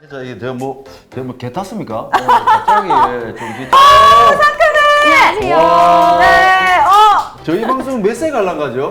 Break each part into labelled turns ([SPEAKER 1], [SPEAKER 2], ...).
[SPEAKER 1] 자, 이게 개 탔습니까? 갑자기 좀 진짜.
[SPEAKER 2] 안녕하세요.
[SPEAKER 1] 와.
[SPEAKER 2] 네,
[SPEAKER 1] 저희 방송 몇 세 갈란가죠?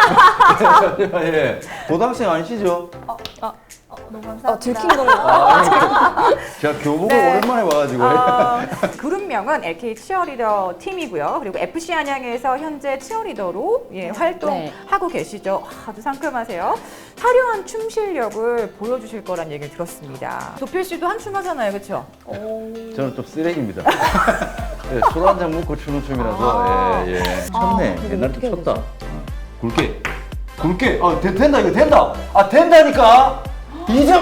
[SPEAKER 1] 예. 고등학생 아니시죠?
[SPEAKER 2] 너무 감사합니다.
[SPEAKER 3] 들킨 건가요?
[SPEAKER 1] 제가 교복을
[SPEAKER 2] 네.
[SPEAKER 1] 오랜만에 와가지고.
[SPEAKER 2] 그룹명은 LK 치어리더 팀이고요. 그리고 FC 안양에서 현재 치어리더로 활동하고 계시죠. 아주 상큼하세요. 화려한 춤 실력을 보여주실 거란 얘기를 들었습니다. 도필 씨도 한춤 하잖아요, 그렇죠?
[SPEAKER 1] 저는 좀 쓰레기입니다. 예, 술 한 잔 먹고 추는 춤이라서. 예. 쳤네. 옛날에 좀 쳤다. 굵게. 굵게. 된다, 이거 된다. 된다니까. 2점.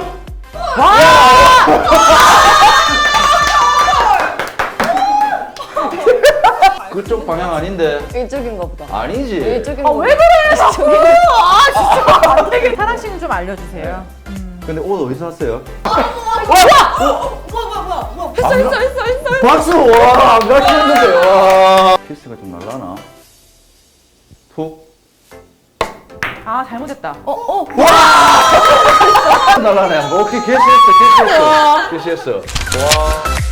[SPEAKER 1] 그쪽 방향 아닌데.
[SPEAKER 3] 이쪽인가 보다.
[SPEAKER 1] 아니지.
[SPEAKER 3] 이쪽인가 보다.
[SPEAKER 2] 왜 그래? 진짜 안 되게. 사랑 씨는 좀 알려주세요.
[SPEAKER 1] 근데 옷 어디서 샀어요?
[SPEAKER 3] 했어.
[SPEAKER 1] 박수! 와, 안 가시는데, 와. 키스가 좀 날라나? 툭.
[SPEAKER 2] 잘못했다.
[SPEAKER 1] 날라네. 오케이, 캐시했어. 캐시했어. 와.